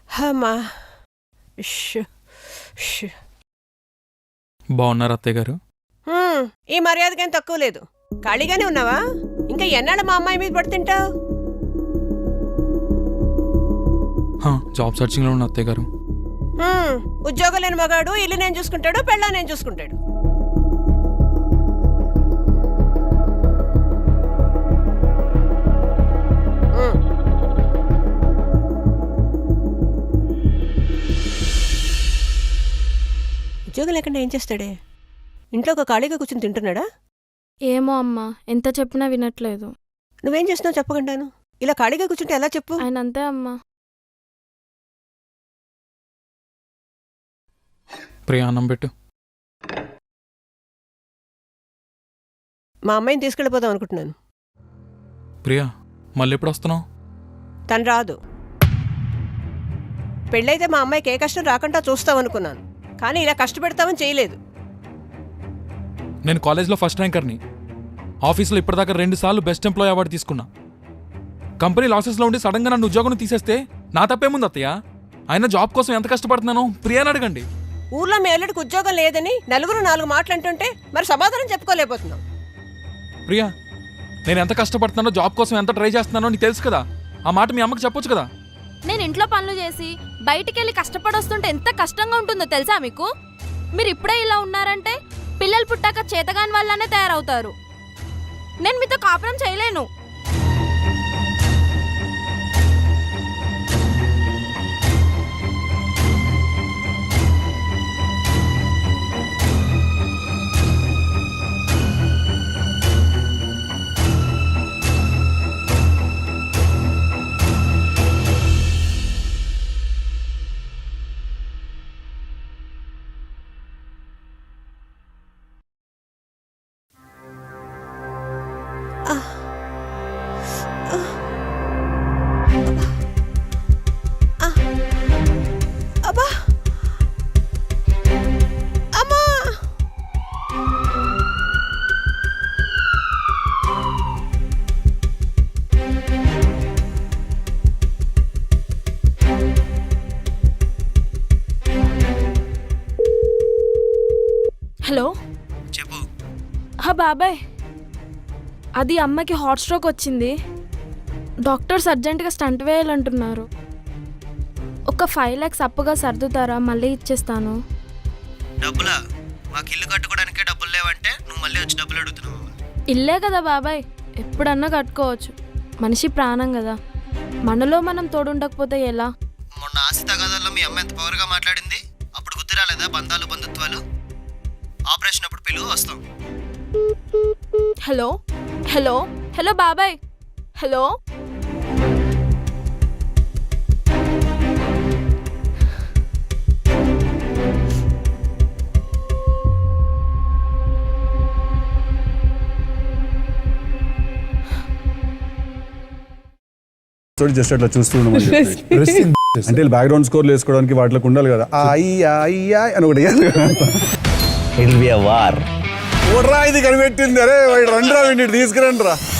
అమ్మా ష్, ష్. బాగున్నారు అత్తయ్య గారు? ఈ మర్యాదకేం తక్కువ లేదు. ఖాళీగానే ఉన్నావా? ఇంకా ఎన్నాళ్ళు మా అమ్మాయి మీద పడి తింటావు? జాబ్ సర్చింగ్ లో ఉన్న అత్తయ్య గారు. ఉద్యోగం లేని మగాడు ఇల్లు నేను చూసుకుంటాడు, పెళ్ళా నేను చూసుకుంటాడు. ఉద్యోగం లేకుండా ఏం చేస్తాడే? ఇంట్లో ఒక ఖాళీగా కూర్చొని తింటున్నాడా? ఏమో అమ్మా, ఎంత చెప్పినా వినట్లేదు. నువ్వేం చేస్తున్నావు చెప్పకుండాను? ఇలా ఖాళీగా కూర్చుంటే ఎలా చెప్పు? ఆయన అంతే అమ్మా. ప్రియా అన్నం పెట్టు. మా అమ్మాయిని తీసుకెళ్ళిపోదాం అనుకుంటున్నాను. ప్రియా మళ్ళీ ఎప్పుడు వస్తున్నావు? తను రాదు. పెళ్ళైతే మా అమ్మాయికి ఏ కష్టం రాకుండా చూస్తావనుకున్నాను, కానీ ఇలా కష్టపెడతామని చేయలేదు. నేను కాలేజ్లో ఫస్ట్ ర్యాంకర్ని. ఆఫీస్లో ఇప్పటిదాకా 2 సార్లు బెస్ట్ ఎంప్లాయీ అవార్డు తీసుకున్నా. కంపెనీ లాసెస్లో ఉండి సడన్గా నన్ను ఉద్యోగం తీసేస్తే నా తప్పేముంది అత్తయ్య? ఆయన జాబ్ కోసం ఎంత కష్టపడుతున్నానో ప్రియాని అడగండి. ఊర్లో మీ అల్లుడికి ఉద్యోగం లేదని నలుగురు 4 మాటలు అంటుంటే మరి సమాధానం చెప్పుకోలేకపోతున్నాం. ప్రియా నేను ఎంత కష్టపడుతున్నానో, జాబ్ కోసం ఎంత ట్రై చేస్తున్నానో నీకు తెలుసు కదా. ఆ మాట మీ అమ్మకి చెప్పొచ్చు కదా. నేను ఇంట్లో పనులు చేసి బయటికెళ్ళి కష్టపడొస్తుంటే ఎంత కష్టంగా ఉంటుందో తెలుసా మీకు? మీరు ఇప్పుడే ఇలా ఉన్నారంటే పిల్లలు పుట్టాక చేతగాని వాళ్ళనే తయారవుతారు. నేను మీతో కాపురం చేయలేను. అబ్బా అమ్మా! హలో చెప్పు. బాబాయ్, అది అమ్మకి హాట్ స్ట్రోక్ వచ్చింది. డాక్టర్స్ అర్జెంటుగా స్టంట్ వేయాలంటున్నారు. ఒక 5 lakhs అప్పుగా సర్దుతారా? మళ్ళీ ఇచ్చేస్తాను. డబ్బులా? మాకు ఇల్లు కట్టుకోవడానికే డబ్బులు లేవంటే నువ్వు మళ్ళీ వచ్చి డబ్బులు అడుగుతున్నావు. ఇల్లే కదా బాబాయ్, ఎప్పుడన్నా కట్టుకోవచ్చు. మనిషి ప్రాణం కదా, మనలో మనం తోడుండకపోతే ఎలా? మొన్న ఆస్తి తగాదాల్లో మీ అమ్మ ఎంత పవర్గా మాట్లాడింది. అప్పుడు గుర్తు రాలేదా బంధాలు బంధుత్వాలు? ఆపరేషన్ అప్పుడు పిలువు, వస్తాం. హలో హలో హలో బాబాయ్, హలో. జస్ట్ అట్లా చూస్తున్నాం అంటే బ్యాక్గ్రౌండ్ స్కోర్లు వేసుకోవడానికి వాటికి ఉండాలి కదా. అని ఒకటి It'll be a war. ఇది కనిపెట్టింది. అరే రండి రా, తీసుకురండి రా.